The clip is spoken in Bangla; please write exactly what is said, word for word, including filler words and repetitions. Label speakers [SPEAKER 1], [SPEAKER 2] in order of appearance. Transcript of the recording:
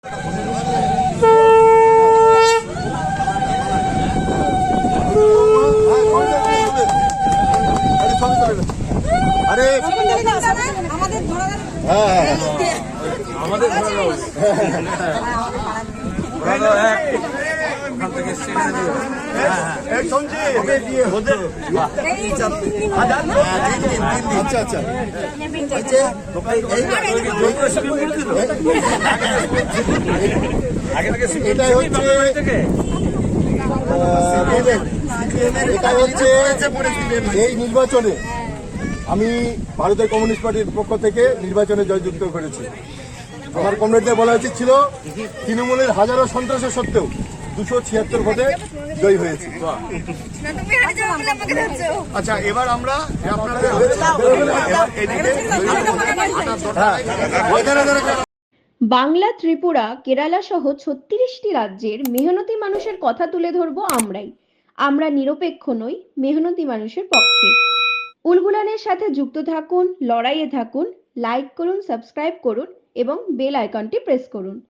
[SPEAKER 1] আরে হ্যাঁ আমাদের আচ্ছা আচ্ছা এটাই হচ্ছে এটাই হচ্ছে এই নির্বাচনে আমি ভারতের কমিউনিস্ট পার্টির পক্ষ থেকে নির্বাচনে জয়যুক্ত করেছি। আমার কমরেডদের বলা উচিত ছিল তৃণমূলের হাজারো সন্ত্রাসের সত্ত্বেও দুশো ছিয়াত্তর ভোটে জয়ী হয়েছে। আচ্ছা এবার আমরা
[SPEAKER 2] বাংলা, ত্রিপুরা, কেরালা সহ ছত্রিশটি রাজ্যের মেহনতি মানুষের কথা তুলে ধরবো আমরাই। আমরা নিরপেক্ষ নই, মেহনতি মানুষের পক্ষে। উলগুলানের সাথে যুক্ত থাকুন, লড়াইয়ে থাকুন, লাইক করুন, সাবস্ক্রাইব করুন এবং বেল আইকনটি প্রেস করুন।